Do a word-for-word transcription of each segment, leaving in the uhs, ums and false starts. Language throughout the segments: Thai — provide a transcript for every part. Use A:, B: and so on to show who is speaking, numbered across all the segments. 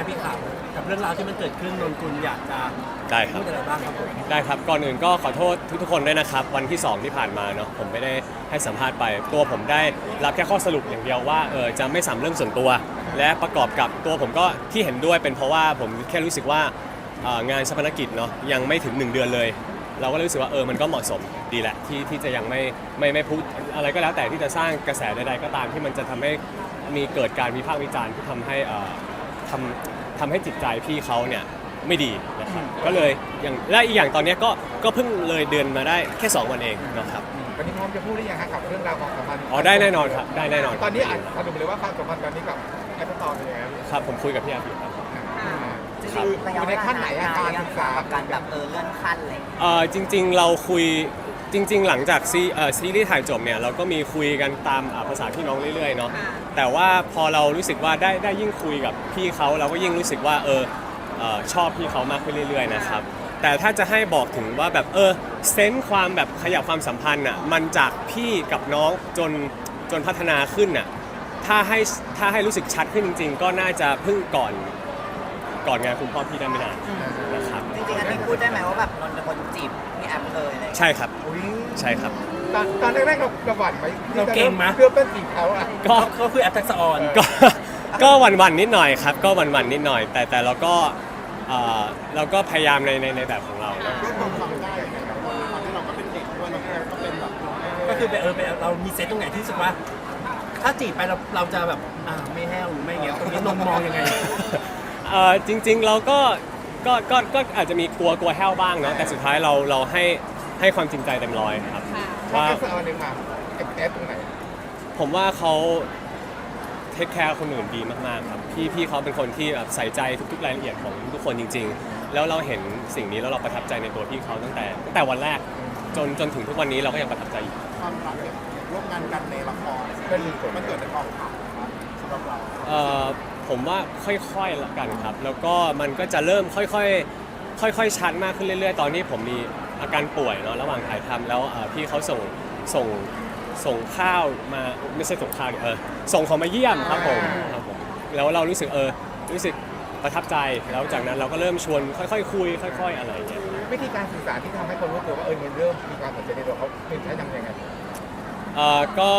A: พี่ขาวกับเรื่องราวที่มันเกิดขึ้นนนกุลอยากจะ
B: ได้ครับ
A: พูดอะไรบ้างครับผม
B: ได้ครับก่อนอื่นก็ขอโทษทุกๆคนด้วยนะครับวันที่สองที่ผ่านมาเนาะผมไม่ได้ให้สัมภาษณ์ไปตัวผมได้รับแค่ข้อสรุปอย่างเดียวว่าเออจะไม่สัมเรื่องส่วนตัว และประกอบกับตัวผมก็ที่เห็นด้วยเป็นเพราะว่าผมแค่รู้สึกว่าเอ่องานชาปนกิจเนาะยังไม่ถึงหนึ่งเดือนเลย เราก็เลยรู้สึกว่าเออมันก็เหมาะสมดีแหละที่ที่จะยังไม่ไม่ไม่พูดอะไรก็แล้วแต่ที่จะสร้างกระแสใดๆก็ตามที่มันจะทำให้มีเกิดการวิพากษ์วิจารณ์ที่ทำให้เอ่อทำทำให้จิตใจพี่เขาเนี่ยไม่ดีนะครับก็เลยอย่างและอีกอย่างตอนเนี้ยก็ก็เพิ่งเลยเดือนมาได้แค่สองวันเองนะครับ
C: วันนี้พร้อมจะพูดได้ยังครับกับเรื่องราวความสัมพันธ์
B: อ๋อได้แน่นอนครับได้แน่นอน
C: ตอนนี้อ่านสรุปเลยว่าความสัมพันธ์ตอนนี้กับแอปเปิลตอเป็นยังไง
B: ครับผมคุยกับพี่อาทิตย์ครับ
C: คืออยู่ในขั้นไหนอาการศึกษา
D: การแบบเออเลื่อนขั้นอะไร
B: เอ่อจริงๆเราคุยจริง ๆ หลังจากซีเอ่อซีรีส์ถ่ายจบเนี่ยเราก็มีคุยกันตามอ่าภาษาพี่น้องเรื่อยๆเนาะแต่ว่าพอเรารู้สึกว่าได้ได้ยิ่งคุยกับพี่เขาเราก็ยิ่งรู้สึกว่าเออเอ่อชอบพี่เขามากขึ้นเรื่อยๆนะครับแต่ถ้าจะให้บอกถึงว่าแบบเออเซนส์ความแบบขยับความสัมพันธ์อ่ะมันจากพี่กับน้องจนจนพัฒนาขึ้นอ่ะถ้าให้ถ้าให้รู้สึกชัดขึ้นจริง ๆ ก็น่าจะเพิ่งก่อนก่อนงานคุณพ่อพี่ได้ไม่นานนะครับ
D: จริงๆอันนี้พูดได้ไหมว่าแบบนนท์เป็นคนจีบพี่แอมเลยอะไรอย่างเงี้ย
B: ใช่ครับ
C: อุ๊ย
B: ใช่ครับ
C: ตอนตอนแรกๆเราเราหวั่นไหม
A: เราเก่งไหม
C: เพื่อเป็นจีบเขาอ่ะ
B: ก็
A: เขาคือแอปทักษะออน
B: ก็ก็หวันวันๆนิดหน่อยครับก็หวันวันๆนิดหน่อย แต่แต่เราก็เอ่อเราก็พยายามในในในแบบของเรานะ
C: ก็ความฟังได้นะครับตอนที่เราก็เป็นเด็กด้วยเราก็เป็นแบบ
A: ก็คือแบบเออแบบเรามีเซตตรงไหนที่รู้สึกว่า ถ้าจีบไปเราเราจะแบบอ่าไม่แห้วหรือไม่เงี้ยตรงนี้นนท์มองยังไง
B: เอ่อจริงๆเราก็ก็ก็ก็อาจจะมีกลัวกลัวแห้วบ้างเนาะแต่สุดท้ายเราเราให้ให้ความจริงใจเต็มร้อยครับ
C: ว่า
B: ว่า
C: แอปเปิลตอเนี่ยมาแอปแอปตรงไหน
B: ผมว่าเขาเทคแคร์คนอื่นดีมากๆครับพี่พี่เขาเป็นคนที่แบบใส่ใจทุกๆรายละเอียดของทุกคนจริง ๆ แล้วเราเห็นสิ่งนี้แล้วเราประทับใจในตัวพี่เขาตั้งแต่ตั้งแต่วันแรกจนจนถึงทุกวันนี้เราก็ยังประทับใจอยู่
C: ความรักเนี่ยร่วมงานกันในละครเป็นมันเกิดในกองถ่ายนะครับสำหรับเรา
B: เอ่อผมว่าค่อยๆละกันครับ แล้วก็มันก็จะเริ่มค่อยๆค่อยๆชัดมากขึ้นเรื่อยๆ ตอนนี้ผมมีอาการป่วยเนาะระหว่างถ่ายทำแล้วเอ่อพี่เขาส่งส่งส่งข้าวมาไม่ใช่ส่งข้าวดิเออส่งของมาเยี่ยมครับผมครับผมแล้วเรารู้สึกเออรู้สึกประทับใจแล้วจากนั้นเราก็เริ่มชวนค่อยๆคุยค่อย ๆ อะไรอย่างเงี้ย
C: วิธีการสื่อสารที่ทำให้คนรู้ตัวว่าเออมันเริ่มมีความสนใจในตัวเขาเป็นใช้ยังไง
B: เอ่อก็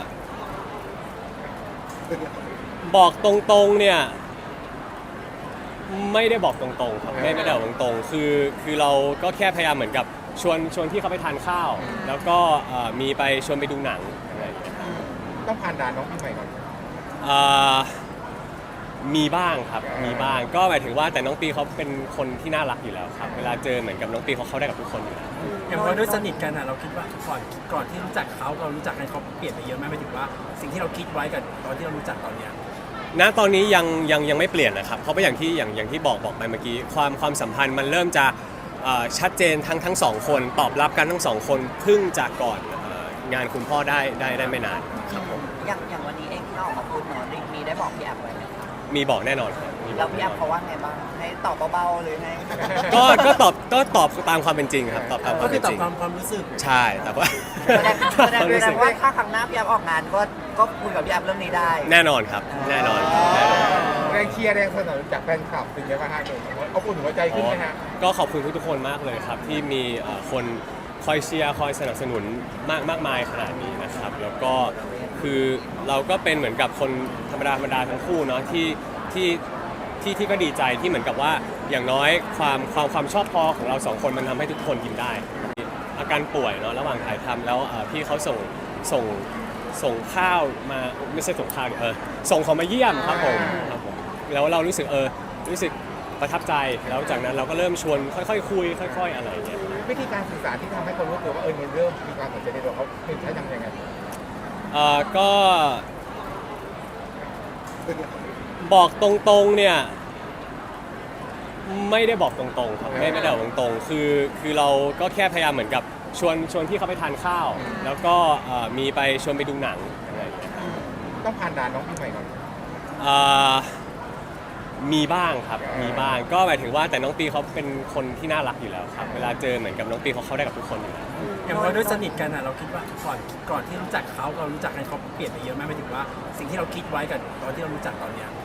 B: บอกตรงๆเนี่ยไม่ได้บอกตรงๆครับไม่ไม่ได้บอกตรงๆคือคือเราก็แค่พยายามเหมือนกับชวนชวนที่เขาไปทานข้าว แล้วก็เอ่อมีไปชวนไปดูหนังอะไรอย่างเงี้ย
C: ต้องผ่านด่านน้องพี่ใหม่ก่อน
B: เอ่อมีบ้างครับมีบ้างก็หมายถึงว่าแต่น้องปีเขาเป็นคนที่น่ารักอยู่แล้วครับเวลาเจอเหมือนกับน้องปีเขาเข้าได้กับทุกคนอยู่แล้ว
A: อย่างพอด้วยสนิทกันอ่ะเราคิดว่าก่อนก่อนที่รู้จักเขาเรารู้จักกันเขาเปลี่ยนไปเยอะไหมหมายถึงว่า สิ่งที่เราคิดไว้กับตอนที่เรารู้จักตอนเนี้ย
B: ณตอนนี้ยังยังยังไม่เปลี่ยนนะครับเพราะว่าอย่างที่อย่างอย่างที่บอกบอกไปเมื่อกี้ความความสัมพันธ์มันเริ่มจะเอ่อชัดเจนทั้งทั้งสองคนตอบรับกันทั้งสองคนเพิ่งจากก่อนเอ่องานคุณพ่อได้ได้ได้ไม่นานครับผม
D: อย่างอย่างวันนี้เองที่เราออกมาพูดเนอะมีได้บอกพี่แอมไว้ไหมคะ
B: มีบอกแน่นอนครับมีบ
D: แล้
B: อ
D: ว
B: ก
D: พี่
B: แน่
D: แอม
B: นอน
D: เขาว่าไงบ้างให้ตอบเบาๆหรือไง
B: ก็ก็ตอบก็ตอบตามความเป็นจริงครับตอบตามค
A: ก็
B: วาม
A: คื
B: เป็
A: อน ตอ
B: จ
A: บ
B: ริง
A: ความความรู้สึก
B: ใช่แต่ว่า
D: แสดงแสดงแสดงว่าถ้าครั้งหน้าพี่แอมออกงานก็ก็คุยกับพี่แอมเรื่องนี้ได้
B: แน่นอนครับแน่นอนแน่นอน
C: แรงเชียร์แรงสนับสนุนจากแฟนคลับเป็นยังไงบ้างฮะเอาอุ่นหัวใจขึ้นไหมฮะ
B: ก็ขอบคุณทุกๆคนมากเลยครับที่มีเอ่อคนคอยเชียร์คอยสนับสนุนมากมากมายขนาดนี้นะครับ แล้วก็คือเราก็เป็นเหมือนกับคนธรรมดาธรรมดาทั้งคู่เนาะที่ที่ที่ที่ก็ดีใจที่เหมือนกับว่าอย่างน้อยความความความชอบพอของเราสองคนมันทำให้ทุกคนยิ้มได้ อาการป่วยเนาะระหว่างถ่ายทำแล้วเอ่อพี่เขาส่งส่งส่งข้าวมาไม่ใช่ส่งข้าวดิเออส่งของมาเยี่ยมครับผมครับผมแล้วเรารู้สึกเออรู้สึกประทับใจแล้วจากนั้นเราก็เริ่มชวนค่อยๆคุยค่อย ๆ อะไรอย่างเงี้ย
C: วิธีการสื่อสารที่ทำให้คนรู้ตัวว่าเออมันเริ่มมีความสนใจในตัวเขาเป็นใช้ยังไง
B: เอ่อก็บอกตรงๆเนี่ยไม่ได้บอกตรงๆครับไม่ไม่ได้บอกตรงๆคือคือเราก็แค่พยายามเหมือนกับชวนชวนที่เขาไปทานข้าว แล้วก็เอ่อมีไปชวนไปดูหนังอะไรอย่างเงี้ย
C: ต้องผ่านด่านน้องพี่ใหม่ก่อน
B: เอ่อมีบ้างครับมีบ้างก็หมายถึงว่าแต่น้องปีเขาเป็นคนที่น่ารักอยู่แล้วครับเวลาเจอเหมือนกับน้องปีเขาเข้าได้กับทุกคนอยู่แล้ว
A: อย่างพอด้วยสนิทกันอ่ะเราคิดว่าก่อนก่อนที่รู้จักเขาเรารู้จักกันเขาเปลี่ยนไปเยอะไหมหมายถึงว่า สิ่งที่เราคิดไว้กับตอนที่เรารู้จักตอนเนี้ย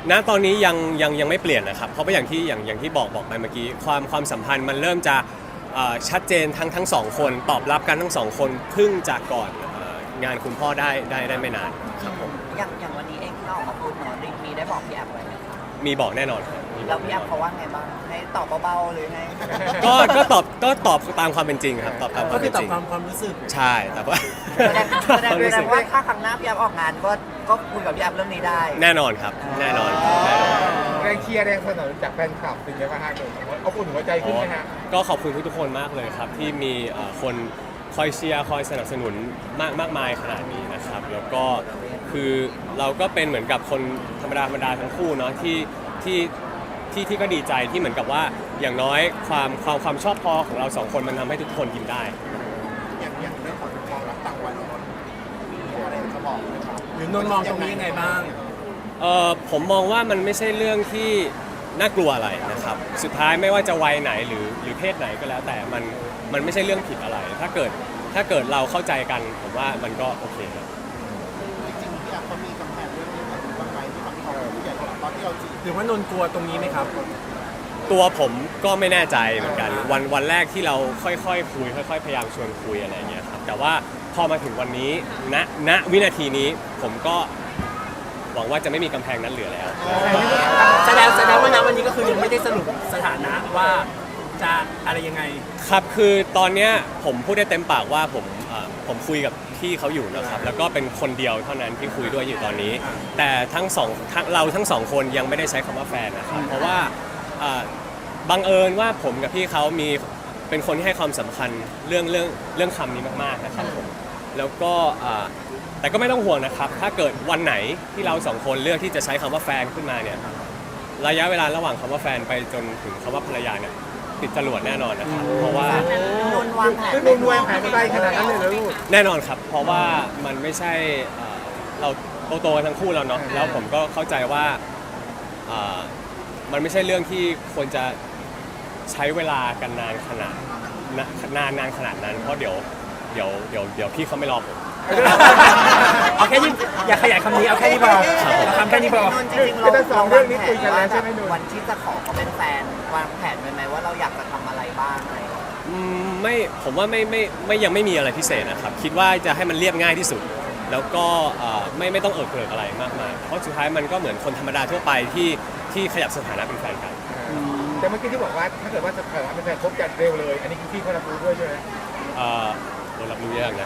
B: ณตอนนี้ยังยังยังไม่เปลี่ยนนะครับเพราะว่าอย่างที่อย่างอย่างที่บอกบอกไปเมื่อกี้ความความสัมพันธ์มันเริ่มจะเอ่อชัดเจนทั้งทั้งสองคนตอบรับกันทั้งสองคนเพิ่งจากก่อนเอ่องานคุณพ่อได้ได้ได้ไม่นานครับผม
D: อย่างอย่างวันนี้เองที่เราออกมาพูดเนาะมีได้บอกพี่แอฟไว้ไหมคะ
B: มีบอกแน่นอนครับมีบ
D: แล้
B: อ
D: ว
B: ก
D: พี่
B: แน่
D: แอน ฟ
B: อน
D: เขาว่าไงบ้างให้ตอบเบาๆหรือไง
B: ก็ก็ตอบก็ตอบตามความเป็นจริงครับตอบตามค
A: ก็
B: วาม
A: คื
B: เป็
A: อน ตอ
B: จ
A: บ
B: ริง
A: ความความรู้สึก
B: ใช่แต่ว่า
D: แสดงแสดงแสดงว่าถ้าครั้งหน้าพี่แอฟออกงานก็ก็คุยกับพี่แอฟเรื่องนี้ได้
B: แน่นอนครับแน่นอนแน่นอน
C: แรงเชียร์แรงสนับสนุนจากแฟนคลับเป็นไงบ้างฮะเอาอุ่นหัวใจขึ้นไหมฮะ
B: ก็ขอบคุณทุกๆคนมากเลยครับที่มีเอ่อคนคอยเชียร์คอยสนับสนุนมากมากมายขนาดนี้นะครับแล้วก็คือเราก็เป็นเหมือนกับคนธรรมดาธรรมดาทั้งคู่เนาะที่ที่ที่ที่ก็ดีใจที่เหมือนกับว่าอย่างน้อยความความความชอบพอของเราสองคนมันทำให้ทุกคนกินได้
C: อย่างอย่างเรื่องของความรักต่างวัยของนนท์มีอะไรจะบอกไหมครับ
A: หรือนนท์มองตรงนี้ยังไงบ้าง
B: เอ่อผมมองว่ามันไม่ใช่เรื่องที่น่ากลัวอะไรนะครับสุดท้ายไม่ว่าจะวัยไหนหรือหรือเพศไหนก็แล้วแต่มันมันไม่ใช่เรื่องผิดอะไร ถ้าเกิดถ้าเกิดเราเข้าใจกันผมว่ามันก็โอเคครับ
C: จริงๆพี่แอฟเขามีกำแพงเรื่องนี้กับกำไมที่บางทีผู้ใหญ่เขาตอนที่เราจีบ
A: หรือว่านนท์กลัวตรงนี้ไหมครับ
B: ตัวผมก็ไม่แน่ใจเหมือนกันวันวันแรกที่เราค่อยๆคุยค่อย ๆ พยายามชวนคุยอะไรอย่างเงี้ยครับแต่ว่าพอมาถึงวันนี้ณณวินาทีนี้ผมก็หวังว่าจะไม่มีกำแพงนั้นเหลือแล้ว
A: แสดงแสดงว่าณวันนี้ก็คือยังไม่ได้สรุปสถานะว่าจะอะไรยังไง
B: ครับคือตอนเนี้ยผมพูดได้เต็มปากว่าผมเอ่อผมคุยกับพี่เขาอยู่นะครับแล้วก็เป็นคนเดียวเท่านั้นที่คุยด้วยอยู่ตอนนี้ แต่ทั้งสองทั้งเราทั้งสองคนยังไม่ได้ใช้คำว่าแฟนนะครับเพราะว่าเอ่อบังเอิญว่าผมกับพี่เขามีเป็นคนที่ให้ความสำคัญเรื่องเรื่องเรื่องคำนี้มากๆนะครับผมแล้วก็เอ่อแต่ก็ไม่ต้องห่วงนะครับถ้าเกิดวันไหนที่เราสองคนเลือกที่จะใช้คำว่าแฟนขึ้นมาเนี่ยระยะเวลาระหว่างคำว่าแฟนไปจนถึงคำว่าภรรยาเนี่ยติดจรวดแน่นอนนะครับเพราะว่า
D: นนท์วางแผน
C: คือนนท์วางแผนไกลขนาดนั้นเลยเหรอลูก
B: แน่นอนครับ เพราะว่ามันไม่ใช่เอ่อเราโตๆกันทั้งคู่แล้วเนาะแล้วผมก็เข้าใจว่าเอ่อมันไม่ใช่เรื่องที่ควรจะใช้เวลากันนานขนาดนะนานนานขนาดนั้น เพราะเดี๋ยวเดี๋ยวเดี๋ยวเดี๋ยวพี่เขาไม่รอผม
A: เอาแค่นี้อย่าขยายคำนี้เอาแค่นี้พอเอาคำแค่นี้พอ
D: นนท์จริงๆเรา
C: คือทั้งสองเรื่องนี้คุยกันแล้วใช่ไหมนนท์
D: วันที่จะขอเขาเป็นแฟนวางแผนไว้ไหมว่าเราอยากจะทำอะไรบ้างอะไรอย่างเงี้ย
B: อืมไม่ผมว่าไม่ไม่ไม่ยังไม่มีอะไรพิเศษนะครับ คิดว่าจะให้มันเรียบง่ายที่สุด แล้วก็เอ่อไม่ไม่ต้องเอิกเกริกอะไรมากมายเพราะสุดท้ายมันก็เหมือนคนธรรมดาทั่วไปที่ที่ขยับสถานะเป็นแฟนกัน
C: แต่เมื่อกี้ที่บอกว่าถ้าเกิดว่าจะเกิดเป็นแฟนคบกันเร็วเลย อันนี้คือพี่เขารับรู้ด้วยใช่ไหม
B: เอ่อโดนรับรู้ยากนะ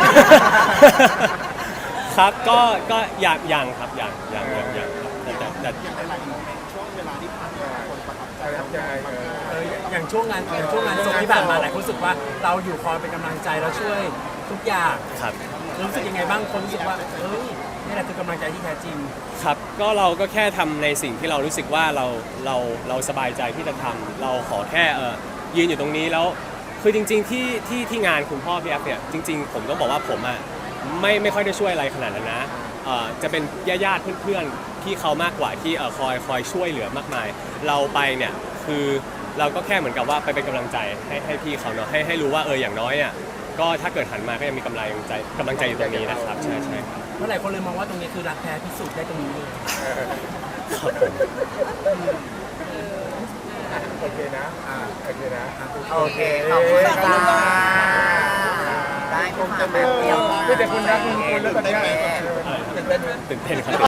B: ครับก็ก็อย่างอย่างครับอย่างอย่างอย่างอย่างครับแต่แต่แต่
C: อย่างหลายๆโมเมนต์ช่วงเวลาที่ผ่านมาคนประทับใจประทับใจเออ
A: เอออย่างช่วงงานอย่างช่วงงานศพที่ผ่านมาหลายคนรู้สึกว่าเราอยู่คอยเป็นกำลังใจแล้วช่วยทุกอย่าง
B: ครับ
A: รู้สึกยังไงบ้างคนรู้สึกว่าเอ้ยนี่แหละคือกำลังใจที่แท้จริง
B: ครับก็เราก็แค่ทำในสิ่งที่เรารู้สึกว่าเราเราเราสบายใจที่จะทำเราขอแค่เออยืนอยู่ตรงนี้แล้วคือจริง ๆ ที่ที่ที่งานคุณพ่อพี่แอฟเนี่ยจริง ๆ ผมต้องบอกว่าผมอ่ะไม่ไม่ค่อยได้ช่วยอะไรขนาดนั้นนะเอ่อจะเป็นญาติๆเพื่อนๆที่เขามากกว่าที่เอ่อคอยคอยช่วยเหลือมากมาย เราไปเนี่ยคือเราก็แค่เหมือนกับว่าไปเป็นกำลังใจให้ให้พี่เขาเนาะให้ให้รู้ว่าเอออย่างน้อยอ่ะก็ถ้าเกิดหันมาก็ยังมีกำลังใจกำลังใจอยู่ตรงนี้นะครับใช่ใช่ครับ
A: เมื่อหลายคนเลยมองว่าตรงนี้คือรักแท้พิสูจน์ได้ตรงนี้เลย
B: ครับผม
C: โอเคนะอ่าโอเคนะ
D: โอเคขอบคุณค่ะได้คุณค่ะแบบเดียว
C: ไม่แต่คุณรักคุณคุณแล้วตอนเนี้ย
D: โอเค
B: ตื่นเต้นครับ